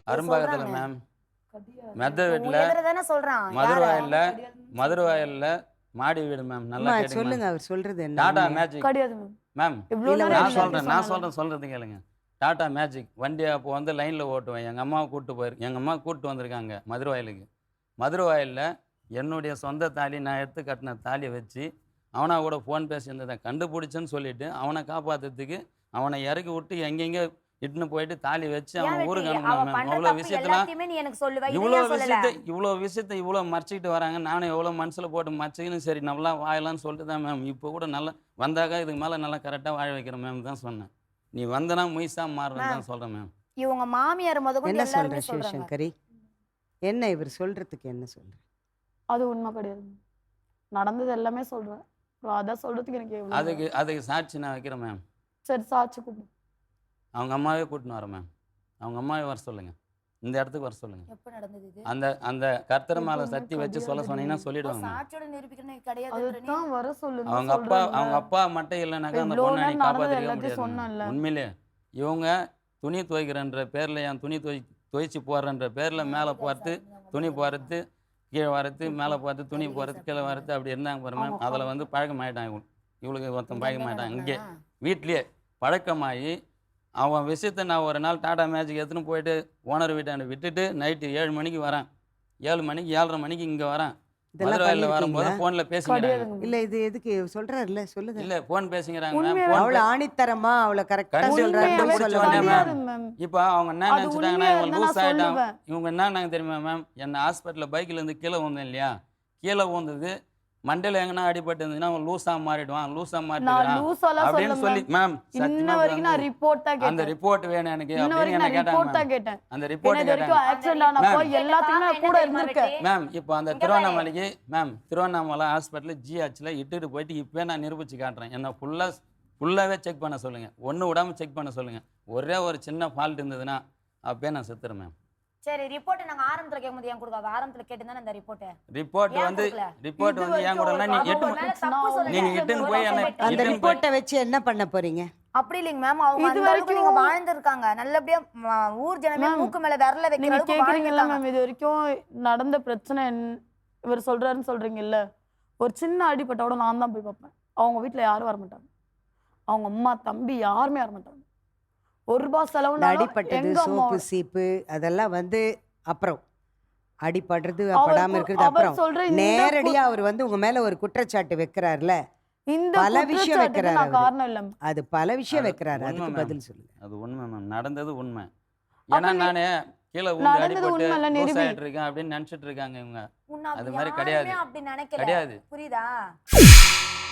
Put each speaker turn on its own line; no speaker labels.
அரும்பாக்கத்தில் ma'am, மெத்த வீட்டில்,
தானே சொல்றான்.
மதுரவாயலில் மாடி வீடு மேம். நல்லா கேட்டுங்க
சொல்லுங்க, அவர் சொல்றது என்ன?
டாடா மேஜிக்
கிடையாது
மேம். நான் சொல்றது கேளுங்க. டாடா மேஜிக் வண்டி அப்போ வந்து லைனில் ஓட்டுவேன். எங்கள் அம்மாவை எங்கள் அம்மா கூப்பிட்டு வந்திருக்காங்க மதுரவாயலுக்கு. மதுரவாயலில் என்னுடைய சொந்த தாலி நான் எடுத்து கட்டின தாலியை வச்சு அவனா கூட ஃபோன் பேசியிருந்ததை கண்டுபிடிச்சேன்னு சொல்லிட்டு அவனை காப்பாற்றுறதுக்கு அவனை இறக்கி விட்டு எங்கெங்கே இட்டுன்னு போயிட்டு தாலி வச்சு அவன் ஊருக்கு அனுப்பணும். அவ்வளோ விஷயத்தெல்லாம் இவ்வளோ விஷயத்த இவ்வளோ மறைச்சிக்கிட்டு வராங்க. நானும் எவ்வளோ மனசில் போட்டு மறைச்சிக்கின்னு சரி நல்லா வாழலான்னு சொல்லிட்டு தான் மேம் இப்போ கூட நல்லா வந்தாக்கா இதுக்கு மேலே நல்லா கரெக்டாக வாழ வைக்கிறேன் மேம் தான் சொன்னேன். நீ வந்தனா முயசா மாறுறேன்னு தான் சொல்கிறேன் மேம்.
இவங்க மாமியார்
என்ன சொல்கிறேன் சிவசங்கரி? என்ன இவர் சொல்கிறதுக்கு என்ன சொல்கிறேன்?
அது உண்மை கிடையாது. நடந்தது எல்லாமே சொல்கிறேன். அதான் சொல்கிறதுக்கு எனக்கு
அதுக்கு சாட்சி நான் வைக்கிறேன் மேம்.
சரி சாட்சி கூப்பிடு.
அவங்க அம்மாவே கூட்டின்னு வரேன் மேம். அவங்க அம்மாவே வர சொல்லுங்க, இந்த இடத்துக்கு வர சொல்லுங்க.
எப்ப நடந்தது இது?
அந்த கர்த்தர் மேல சத்தி வச்சு சொல்ல சொன்னீங்கன்னா சொல்லிடுவாங்க.
சாட்சியோட நிரூபிக்கணும் கிடையாது.
அதுதான் வர சொல்லுங்க.
அவங்க அப்பா மட்டும் இல்லைனாக்கா அந்த பொண்ணை நீ காப்பாற்றிக்க முடியாது. உண்மையிலே இவங்க துணி துவைக்கிறன்ற பேரில் என் துணி துவைச்சி போடுறன்ற பேரில் மேலே போகிறது, துணி போகிறது, கீழே வரது, மேலே போகிறது, துணி போகிறது, கீழே வரது, அப்படி இருந்தாங்க பாரு மேம். அதில் வந்து பழக்கமாயிட்டாங்க. இவளுக்கு ஒருத்தன் பழக்கமாயிட்டாங்க. இங்கே வீட்லேயே பழக்கமாகி அவன் விஷயத்தை நான் ஒரு நாள் டாடா மேஜிக் எடுத்துன்னு போயிட்டு ஓனர் வீட்டாண்ட விட்டுட்டு நைட்டு 7 மணிக்கு வரேன். 7 மணிக்கு 7:30 மணிக்கு இங்கே வரேன். மதுரையில் வரும்போது ஃபோனில் பேசிக்கிறாங்க.
இல்லை இது எதுக்கு சொல்கிறாருல்ல, சொல்லுங்க.
இல்லை ஃபோன் பேசிக்கிறாங்க.
அவ்வளோ ஆணித்தரமா அவ்வளோ கரெக்டாக
சொல்கிறாங்க. இப்போ அவங்க என்ன நினச்சிட்டாங்கன்னா இவங்க லூஸ் ஆகிட்டாங்க. இவங்க என்னன்னாங்க தெரியுமா மேம், என்னை ஹாஸ்பிட்டலில் பைக்கிலேருந்து கீழே விழுந்தேன் இல்லையா, கீழே விழுந்தது மண்டையில் எங்கன்னா அடிபட்டு இருந்ததுன்னா அவன் லூஸா மாறிடுவான், லூஸா மாறிடுவான் அப்படின்னு சொல்லி மேம் அந்த ரிப்போர்ட் வேணும் எனக்கு அப்படின்னு என்ன கேட்டாங்க. அந்த ரிப்போர்ட் மேம் இப்போ அந்த திருவண்ணாமலைக்கு மேம், திருவண்ணாமலை ஹாஸ்பிட்டல் ஜிஹெச்ல இட்டுட்டு போயிட்டு இப்போ நான் நிரூபிச்சு காட்டுறேன். என்ன ஃபுல்லாகவே செக் பண்ண சொல்லுங்க, ஒன்று விடாமல் செக் பண்ண சொல்லுங்க. ஒரே ஒரு சின்ன ஃபால்ட் இருந்ததுன்னா அப்பயே நான் செத்துறேன் மேம்.
சரி ரிப்போர்ட் நாங்க ஆரம்பத்துல கேக்கும்போது ஏன் கொடுக்காத? ஆரம்பத்துல கேட்டுதானே அந்த
ரிப்போர்ட் வந்து ஏன் கூட நீங்க இட்டுன்னு போய்
அந்த ரிப்போர்ட்டை வச்சு என்ன பண்ண போறீங்க?
அப்படி இல்லைங்க மேம், அவங்க இது வரைக்கும் நீங்க வாழ்ந்திருக்காங்க நல்லபடியா, ஊர் ஜனமே மூக்கு மேல விரல வைக்கிற அளவுக்கு
கேக்குறீங்கல்ல மேம். இது வரைக்கும் நடந்த பிரச்சனை இவர் சொல்றாருன்னு சொல்றீங்கல்ல, ஒரு சின்ன அடிபட்டோட நான் தான் போய் பார்ப்பேன். அவங்க வீட்டுல யாரும் வர மாட்டாங்க, அவங்க அம்மா தம்பி யாருமே வர மாட்டாங்க. ₹1 செலவு
அடிப்பட்டது, சோப்பு சீப்பு அதெல்லாம் வந்து அப்புறம் அடிபடுறது படாம இருக்கிறது அப்புறம் நேரடியா அவர் வந்து உங்க மேல ஒரு குற்றச்சாட்டு வைக்கிறாருல, பல விஷயம் வைக்கிறாரு. அது பல விஷயம் வைக்கிறாரு, அதுக்கு பதில் சொல்லுங்க.
அது உண்மை மேம், நடந்தது உண்மை. ஏன்னா நானே கீழே ஊந்து அடிபட்டு லூஸ் ஆயிட்டு இருக்கேன் அப்படின்னு நினைச்சிட்டு இருக்காங்க இவங்க. அது மாதிரி கிடையாது,
அப்படி நினைக்கல. புரியுதா?